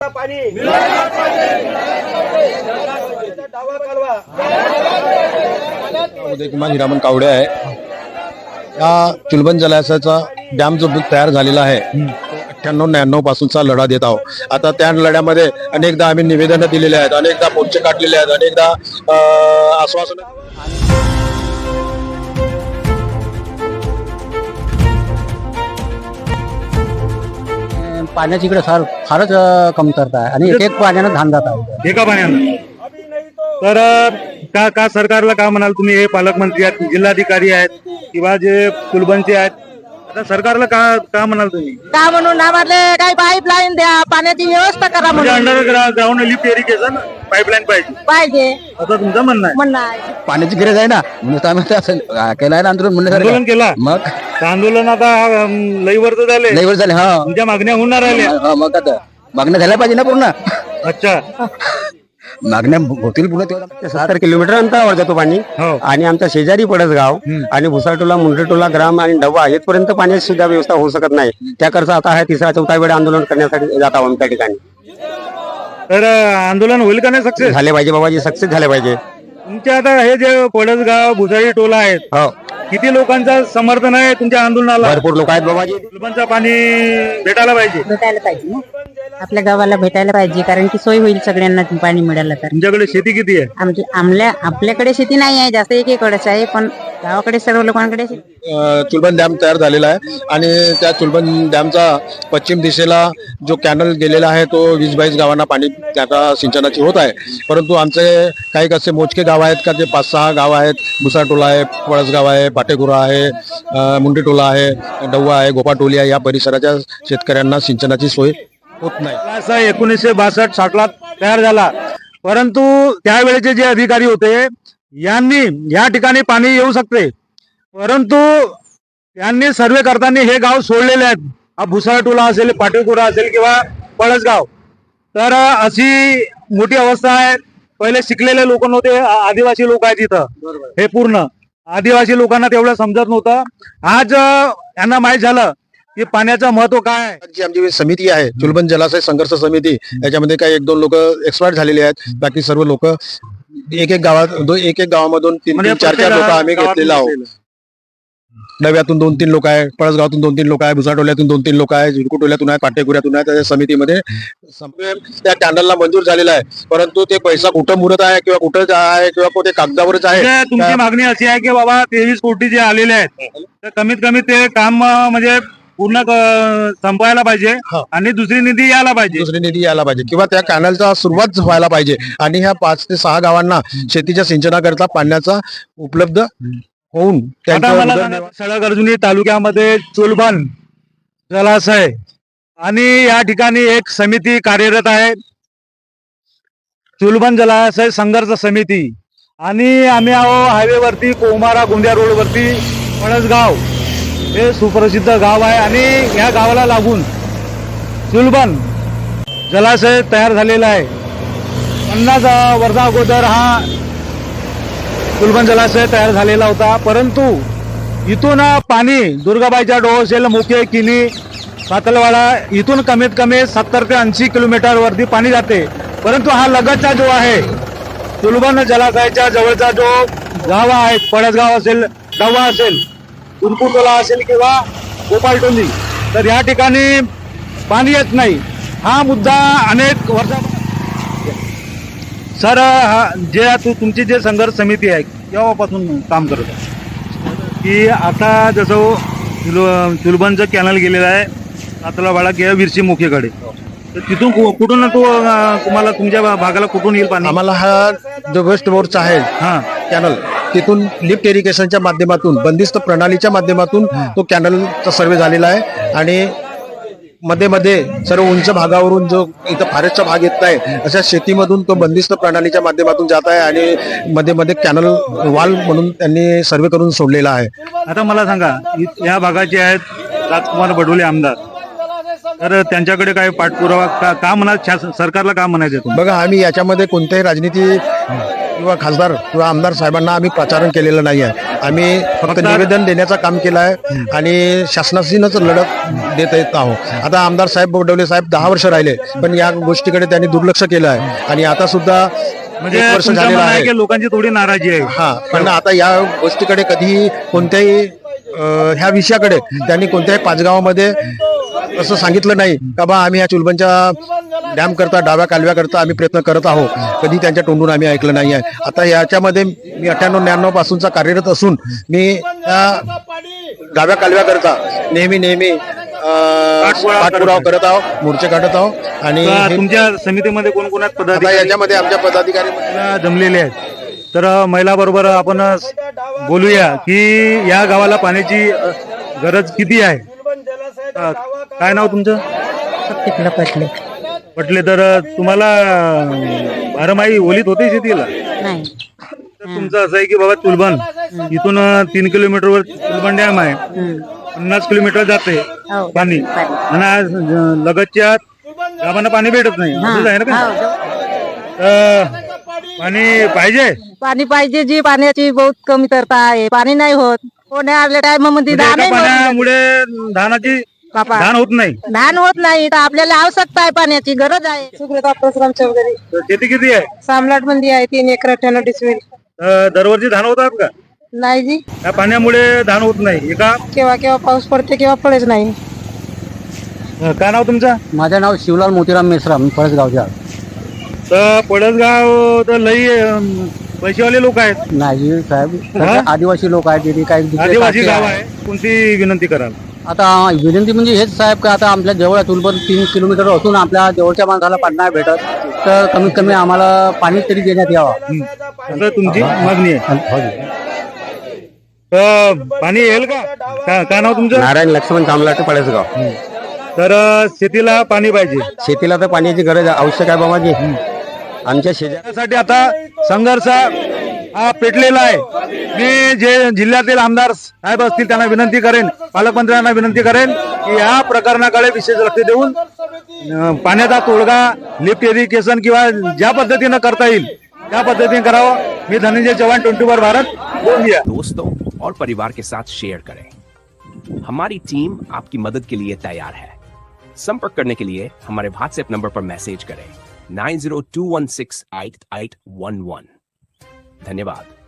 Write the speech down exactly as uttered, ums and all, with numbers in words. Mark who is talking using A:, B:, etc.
A: पाणी
B: उदय कुमार हिरामन कावडे आहे। या चुलबन जलाशयाचा डॅम जो तयार झालेला आहे अठ्ठ्याण्णव न्याण्णव पासूनचा लढा देत आहोत। आता त्या लढ्यामध्ये अनेकदा आम्ही निवेदनं दिलेले आहेत, अनेकदा मोर्चे काढलेले आहेत, अनेकदा आश्वासन
C: पाण्याची इकडे फार फारच कमतरता आहे आणि एक एक पाण्यानं धान जात आहे
D: एका पाण्यानं। तर का का सरकारला का म्हणाल तुम्ही? हे पालकमंत्री आहेत, जिल्हाधिकारी आहेत किंवा जे कुलबंचे आहेत, आता सरकारला का का म्हणाल तुम्ही?
E: का म्हणून आम्हाला काही पाईपलाईन द्या, पाण्याची व्यवस्था करा
D: म्हणजे
E: म्हणून
D: अंडरग्राउंड लिफ्ट इरिगेशन पाईपलाईन पाहिजे
E: पाहिजे
D: असं तुमचं म्हणणं आहे?
E: म्हणणं आहे।
C: पाण्याची गरज आहे ना म्हणून आम्ही असं केलं आहे ना आंदोलन
D: आंदोलन
C: म्हणण्यासारखं
D: केला
C: मग
D: आंदोलन आता अं, लई वर्ष झाले
C: लई वर्ष झाले हा
D: तुमच्या मागण्या होणार राहिल्या?
C: हा, मग आता मागण्या झाल्या पाहिजे ना पूर्ण
D: अच्छा
C: मागण्या होतील पूर्ण तेवढा
F: सत्तर किलोमीटर अंतरावर जातो पाणी
D: हो
F: आणि आमच्या शेजारी पडसगाव आणि भुसाटोला मुंडटोला ग्राम आणि डबा येथपर्यंत पाण्याची सुद्धा व्यवस्था होऊ शकत नाही। त्याकरता आता हा तिसरा चौथा वेळ आंदोलन करण्यासाठी जात आहोत त्या ठिकाणी।
D: तर अं, आंदोलन होईल का नाही सक्सेस?
F: झाले पाहिजे बाबाजी, सक्सेस झाले पाहिजे।
D: तुमच्या आता हे जे पडसगाव भुसारी टोला आहेत,
F: हो
D: किती लोकांचं समर्थन आहे तुमच्या आंदोलनाला?
F: भरपूर लोक आहेत बाबाजी।
D: कुलबांचं पाणी भेटायला पाहिजे
E: भेटायला पाहिजे ना, आपल्या गावाला भेटायला पाहिजे, कारण की सोय होईल सगळ्यांना पाणी मिळालं तर।
D: तुमच्याकडे शेती किती आहे?
E: आमची आमल्या आपल्याकडे शेती नाही आहे जास्त, एकीकडेच आहे, पण गावाकडे सर्व लोकांकडे शेती।
B: चुलबन डॅम तयार झालेला आहे आणि त्या चुलबन डॅमचा पश्चिम दिशेला जो कॅनल गेलेला आहे तो वीस बावीस गावांना पाणी त्याचा सिंचनाची होत आहे। परंतु आमचे काही असे मोजके गाव आहेत का, ते पाच सहा गाव आहेत, भुसाटोला आहे, पळसगाव आहे, पाटेगुरा आहे, मुंडेटोला आहे, डव्वा आहे, गोपाटोली आहे, या परिसराच्या शेतकऱ्यांना सिंचनाची सोय होत नाही।
D: असा एकोणीसशे बासष्ट साठला तयार झाला, परंतु त्यावेळेचे जे अधिकारी होते यांनी या ठिकाणी पाणी येऊ शकते, परंतु त्यांनी सर्वे करताना हे गाव सोडलेले आहेत। हा भुसाटोला असेल, पाटेगुरा असेल किंवा पळसगाव, तर अशी मोठी अवस्था आहे। पहिले शिकलेले लोक नव्हते, आदिवासी लोक आहेत तिथं, हे पूर्ण आदिवासी लोकांना तेवढं समजत नव्हतं। आज यांना माहित झालं की पाण्याचं महत्व काय आहे।
B: जी आमची समिती आहे चुलबन जलाशय संघर्ष समिती, याच्यामध्ये काही एक दोन लोक एक्सपायर झालेले आहेत, बाकी सर्व लोक एक एक गावात दो एक एक गावामधून तीन
D: म्हणजे
B: तीन चार चार लोक आम्ही घेतलेला आहोत। नव्यातून दोन तीन लोक आहे, पळसगावातून दोन तीन लोक आहे, भुसाटोल्यातून दोन तीन लोक आहे, झुडकुटोल्यातून आहे, पाटेगुऱ्यातून आहे। त्या समितीमध्ये त्या कॅनलला मंजूर झालेला आहे, परंतु ते पैसा कुठं मुरत आहे किंवा कुठं आहे किंवा ते कागदावरच आहे।
D: म्हणजे तुमची मागणी अशी आहे की बाबा तेवीस कोटी जे आलेले आहेत तर कमीत कमी ते काम अं, म्हणजे पूर्ण क- संपवायला पाहिजे आणि दुसरी निधी यायला पाहिजे
B: दुसरी निधी यायला पाहिजे किंवा त्या कॅनलचा सुरुवात व्हायला पाहिजे आणि ह्या पाच ते सहा गावांना शेतीच्या सिंचनाकरता पाण्याचा उपलब्ध होऊन
D: आता मला सांगा, सळगर्जुनी तालुक्यामध्ये चुलबन जलाशय आणि या ठिकाणी एक समिती कार्यरत आहे, चुलबन जलाशय संघर्ष समिती, आणि आम्ही आहो हायवेवरती कोमारा गोंदिया रोडवरती पळसगाव हे सुप्रसिद्ध गाव आहे आणि या गावाला लागून चुलबन जलाशय तयार झालेला आहे। पन्नास वर्षा अगोदर हा चुलबन जलाशय तयार झालेला होता, परंतु इथून पाणी दुर्गाबाईच्या डोह असेल, मुखे, किनी, पातलवाडा, इथून कमीत कमी सत्तर ते ऐंशी किलोमीटर वरती पाणी जाते, परंतु हा लगतचा जो आहे चुलबन जलाशयाच्या जवळचा जो गाव आहे, पळसगाव असेल, डव्वा असेल, उनकुटोला असेल किंवा गोपालटोली, तर या ठिकाणी पाणी येत नाही। हा मुद्दा अनेक वर्षा सर हा जे तू तुमची जे संघर्ष समिती आहे केव्हापासून काम करत आहे की आता जसं चुल चुलबनचं कॅनल गेलेलं आहे पातळावाडा किंवा विरशी मुखेकडे, तर तिथून कु- कुठून तो अं, तुम्हाला तुमच्या भागाला कुठून येईल पाणी?
B: आम्हाला हा जो वेस्ट बोरचा आहे
D: हा
B: कॅनल, तिथून लिफ्ट इरिगेशनच्या माध्यमातून बंदिस्त प्रणालीच्या माध्यमातून तो कॅनलचा सर्वे झालेला आहे आणि मध्ये मध्ये सर्व उंच भागावरून जो इथं फॉरेस्टचा भाग येत आहे अशा शेतीमधून तो बंदिस्त प्रणालीच्या माध्यमातून जात आहे आणि मध्ये मध्ये कॅनल वाल म्हणून त्यांनी सर्वे करून सोडलेला आहे।
D: आता मला सांगा, इ- या भागाचे आहेत राजकुमार बडोले आमदार, तर त्यांच्याकडे काय पाठपुरावा का, का म्हणा शासन- सरकारला का म्हणायचं तुम्ही?
B: बघा, आम्ही याच्यामध्ये कोणत्याही राजनीती किंवा खासदार किंवा आमदार साहेबांना आम्ही प्रचारण केलेलं नाही आहे। आम्ही फक्त निवेदन देण्याचं काम केलं आहे आणि शासनाशीनच लढत देत येत आहोत. आता आमदार साहेब बोडवले साहेब दहा वर्ष राहिले, पण या गोष्टीकडे त्यांनी दुर्लक्ष केलं आहे आणि आता सुद्धा
D: म्हणजे
B: एक वर्ष
D: तुमचं
B: झालेलं
D: म्हणणं आहे
B: आहे.
D: की लोकांची थोडी नाराजी आहे.
B: हा, पण आता या गोष्टीकडे कधीही कोणत्याही अं, ह्या विषयाकडे त्यांनी कोणत्याही पाचगावामध्ये असं सांगितलं नाही का बा आम्ही ह्या चुलबनच्या डॅम करता डाव्या कालव्या करता आम्ही प्रयत्न करत आहोत. कधी त्यांच्या तोंडून आम्ही ऐकलं नाही आहे. आता याच्यामध्ये मी अठ्ठ्याण्णव न्याण्णव पासूनचा कार्यरत असून मी त्या डाव्या कालव्या करता नेहमी नेहमी अं, पाठपुरावा करत आहोत, मोर्चे काढत आहोत आणि
D: आता
B: हे-
D: तुमच्या समितीमध्ये कोण कोण आहेत
B: आता
D: पदाधिकारी
B: याच्यामध्ये आमच्या पदाधिकारी
D: जमलेले आहेत. तर महिला बरोबर आपण बोलूया की या गावाला पाण्याची अ, गरज किती आहे. अ, काय नाव तुमचं?
E: तिकडलं पटले
D: म्हटले तर तुम्हाला अ, बारमाही ओलीत होते शेतीला.
E: नाही.
D: तर तुमचं असं आहे की बाबा चुलबन इथून अ, तीन किलोमीटरवर चुलबन डॅम आहे, पन्नास किलोमीटर जाते
E: हो.
D: पाणी आणि आज अ, लगतच्या गावांना पाणी भेटत नाही. असंच आहे ना का? तर पाणी पाहिजे.
E: पाणी पाहिजे जी पाण्याची बहुत कमी तरता आहे. पाणी नाही होत. कोण्या टाइम मध्ये
D: म्हणजे एका पाण्यामुळे धानाची
E: बापा
D: धान होत नाही.
E: धान होत नाही तर आपल्याला आवश्यकता आहे, पाण्याची गरज आहे. सुग्रता परशुराम चौधरी,
D: तर शेती किती आहे?
E: सामलाट मंदी आहे, तीन एकर अठ्ठ्याण्णव डिसमिल.
D: अ, दरवर्षी धान होतात का?
E: नाही जी,
D: या पाण्यामुळे धान होत नाही. एका
E: केव्हा केव्हा पाऊस पडते केव्हा पडेच नाही.
D: अ, काय नाव तुमचं?
C: माझं नाव शिवलाल मोतीराम मेश्राम, पळसगावच्या.
D: तर पडसगाव तर लई अम, पैसेवाले लोक आहेत.
C: नाही साहेब,
D: हा?
C: आदिवासी लोक आहेत तिथे काही दुसरे
D: आदिवासी
C: कास्ट
D: गाव
C: आहे.
D: आहे. कोणती विनंती कराल?
C: आता विनंती म्हणजे हेच साहेब का आता आपल्या जवळ चुलबन तीन किलोमीटर असून आपल्या जवळच्या माणसाला पाणी नाही भेटत, तर कमीत कमी आम्हाला पाणी तरी देण्यात यावं.
D: असं तुमची मागणी आहे. तर पाणी येईल का? का- काय नाव तुमचं?
F: नारायण लक्ष्मण कामलाटे पळसगाव.
D: तर अ, शेतीला पाणी पाहिजे.
F: शेतीला तर पाण्याची गरज आवश्यक आहे बाबाजी. आमच्या शेजार
D: त्यासाठी आता संघर्ष हा पेटलेला आहे. मी जे जिल्ह्यातील आमदार साहेब असतील त्यांना विनंती करेन, पालकमंत्र्यांना विनंती करेन की या प्रकरणाकडे विशेष लक्ष देऊन अं, पाण्याचा तोडगा, लिफ्ट इरिगेशन किंवा ज्या पद्धतीनं करता येईल त्या पद्धतीने करावं. मी धनंजय चव्हाण, ट्वेंटी फोर भारत, गोंदिया.
A: दोस्तों और परिवार के साथ शेयर करें. हमारी टीम आपकी मदद के लिए तैयार है. संपर्क करने के लिए हमारे व्हाट्सएप नंबर पर मैसेज करें nine zero two one six eight eight one one. धन्यवाद.